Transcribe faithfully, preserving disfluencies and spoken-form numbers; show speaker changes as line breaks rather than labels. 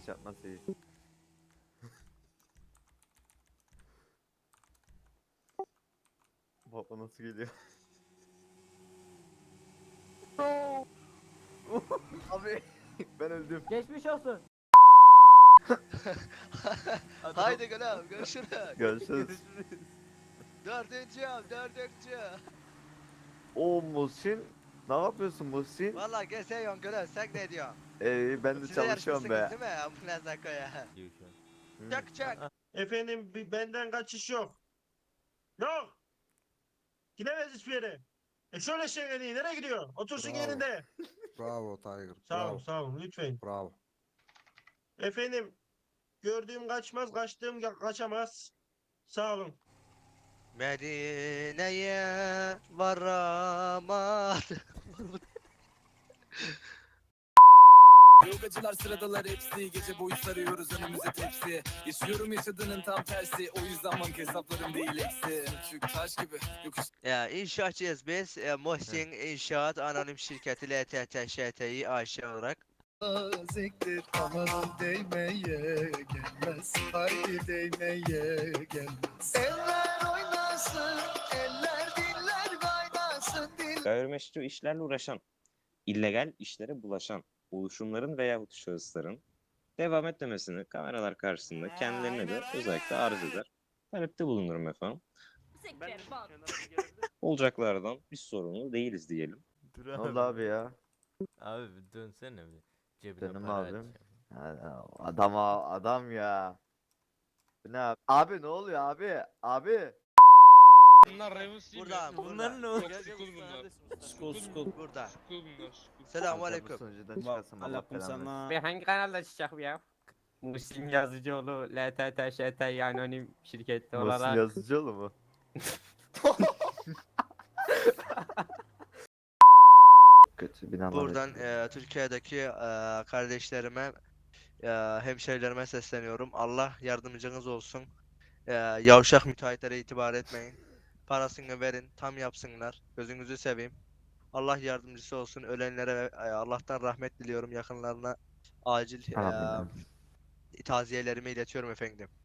kılıç atması iyi. Baba nasıl geliyor? Abi ben öldüm.
Geçmiş olsun.
Haydi gülüm görüşürüz.
Görüşürüz.
Dördüncü av dördüncü.
O Muhsin. Ne yapıyorsun Muhsin?
Valla geziyorsun gülüm sen ne diyorsun?
Ee, ben de
Size
çalışıyorum
yarışmışsınız
be.
değil mi? Ambulans koya.
Hı.
Çak çak.
Efendim bi- benden kaçış yok. Yok. Gidemez hiçbir yere. E şöyle şey iyi. Nereye gidiyor? Otursun
Bravo.
yerinde.
Bravo Tiger.
Sağ olun
Bravo.
sağ olun lütfen.
Bravo.
Efendim gördüğüm kaçmaz kaçtığım ka- kaçamaz. Sağ olun.
Medine'ye varamadı.
Yogacılar sıradalar hepsi. Gece boyu sarıyoruz önümüze tepsi. Yaşıyorum yaşadığının tam tersi. O yüzden banka hesaplarım değil eksi. Küçük taş gibi yokuş.
Ya inşaatçıyız biz. E, Muhsin İnşaat Anonim Şirketi L T T Ş T İ A Ş olarak.
Zektir amanın değmeye gelmez. Haydi değmeye gelmez. Eller oynasın, eller diller kaynasın. Dil...
Gayrimeşru işlerle uğraşan, illegal işlere bulaşan oluşumların veyahut şahısların devam etmemesini kameralar karşısında kendilerine de özellikle arz eder. Talepte bulunurum efendim. Olacaklardan biz sorumlu değiliz diyelim.
Dur
Ne oldu abi ya?
Abi bir dönsene bir. Cebine
Benim
para
abim.
atacağım.
Ha, Adam adam ya. Bu ne abi? Abi ne oluyor abi? Abi.
Bunlar Ravens değil
Burada
mi?
Bunlar ne
Yok,
oldu?
Skull bunlar.
School school.
Burada.
Skull bunlar. Skull.
Selamun
Adam
aleyküm.
Sunucudan çıkarsam Allah
Aleyküm
belanı versin.
selam.
Ve hangi kanalda çıkacak bu ya? Muhsin Yazıcıoğlu L T T Ş T İ Anonim Şirketi
Muhsin
olarak.
Yazıcıoğlu mu? Kötü binalar.
Buradan e, Türkiye'deki e, kardeşlerime, e, hemşehrilerime sesleniyorum. Allah yardımcınız olsun. E, yavşak müteahhitlere itibar etmeyin. Parasını verin, tam yapsınlar. Gözünüzü seveyim. Allah yardımcısı olsun. Ölenlere e, Allah'tan rahmet diliyorum. Yakınlarına acil e,
Amin.
taziyelerimi iletiyorum efendim.